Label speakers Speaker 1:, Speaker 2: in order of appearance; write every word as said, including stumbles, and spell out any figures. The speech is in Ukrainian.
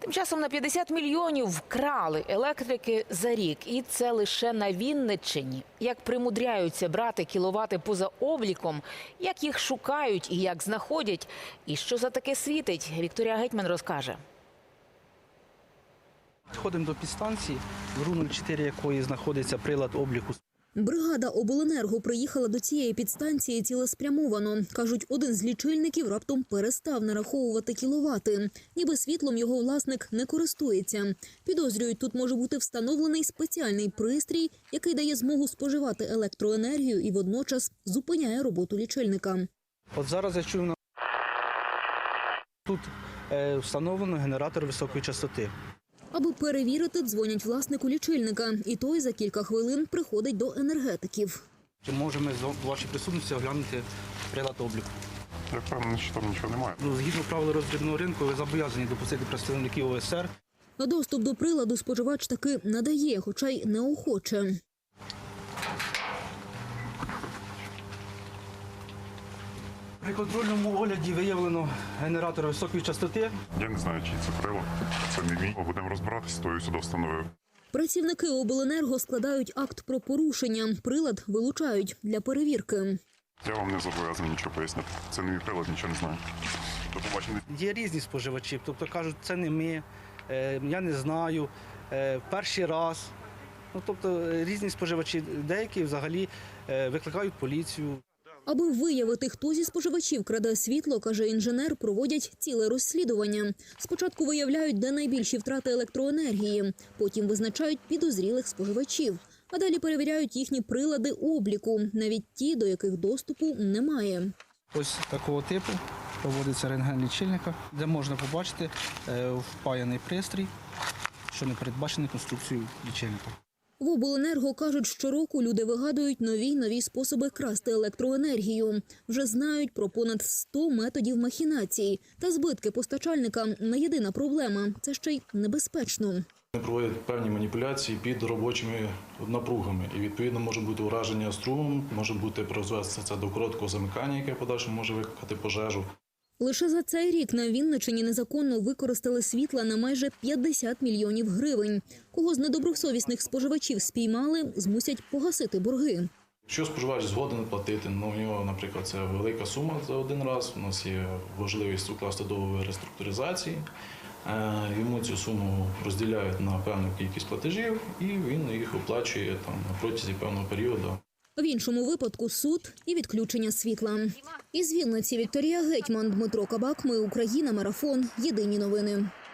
Speaker 1: Тим часом на п'ятдесят мільйонів вкрали електрики за рік. І це лише на Вінниччині. Як примудряються брати кіловати поза обліком, як їх шукають і як знаходять, і що за таке світить, Вікторія Гетьман розкаже.
Speaker 2: Ходимо до підстанції, в РУ нуль чотири якої знаходиться прилад обліку.
Speaker 3: Бригада обленерго приїхала до цієї підстанції цілеспрямовано. Кажуть, один з лічильників раптом перестав нараховувати кіловати. Ніби світлом його власник не користується. Підозрюють, тут може бути встановлений спеціальний пристрій, який дає змогу споживати електроенергію і водночас зупиняє роботу лічильника.
Speaker 2: От зараз я чую, на... тут е, встановлено генератор високої частоти.
Speaker 3: Аби перевірити, дзвонять власнику лічильника. І той за кілька хвилин приходить до енергетиків.
Speaker 2: Чи можемо з вашої присутності оглянути прилад обліку?
Speaker 4: Я впевнений, що там нічого немає.
Speaker 2: Згідно правил роздрібного ринку, ви зобов'язані допустити представників О С Р.
Speaker 3: А доступ до приладу споживач таки надає, хоча й неохоче.
Speaker 2: При контрольному огляді виявлено генератор високої частоти.
Speaker 4: Я не знаю, чий це прилад. Це не мій. Будемо розбиратися, то я сюди встановив.
Speaker 3: Працівники обленерго складають акт про порушення. Прилад вилучають для перевірки.
Speaker 4: Я вам не зобов'язаний нічого пояснити. Це не мій прилад, нічого не знаю. До побачення.
Speaker 2: Є різні споживачі, тобто кажуть, це не ми, е, я не знаю, е, перший раз. Ну, тобто різні споживачі, деякі взагалі е, викликають поліцію.
Speaker 3: Аби виявити, хто зі споживачів краде світло, каже інженер, проводять ціле розслідування. Спочатку виявляють, де найбільші втрати електроенергії, потім визначають підозрілих споживачів, а далі перевіряють їхні прилади обліку, навіть ті, до яких доступу немає.
Speaker 2: Ось такого типу проводиться рентген лічильника, де можна побачити е, впаяний пристрій, що не передбачений конструкцією лічильника.
Speaker 3: В обленерго кажуть, щороку люди вигадують нові й нові способи красти електроенергію. Вже знають про понад сто методів махінацій. Та збитки постачальника не єдина проблема. Це ще й небезпечно.
Speaker 5: Вони проводять певні маніпуляції під робочими напругами. І, відповідно, може бути ураження струмом, може бути призвести це до короткого замикання, яке подальшому може викликати пожежу.
Speaker 3: Лише за цей рік на Вінниччині незаконно використали світла на майже п'ятдесят мільйонів гривень. Кого з недобросовісних споживачів спіймали, змусять погасити борги.
Speaker 5: Якщо споживач згоден платити, ну, у нього, наприклад, це велика сума за один раз, у нас є можливість укласти договір реструктуризації, йому цю суму розділяють на певну кількість платежів і він їх оплачує там, на протязі певного періоду.
Speaker 3: В іншому випадку суд і відключення світла. Із Вінниці Вікторія Гетьман, Дмитро Кабак. Ми Україна. Марафон. Єдині новини.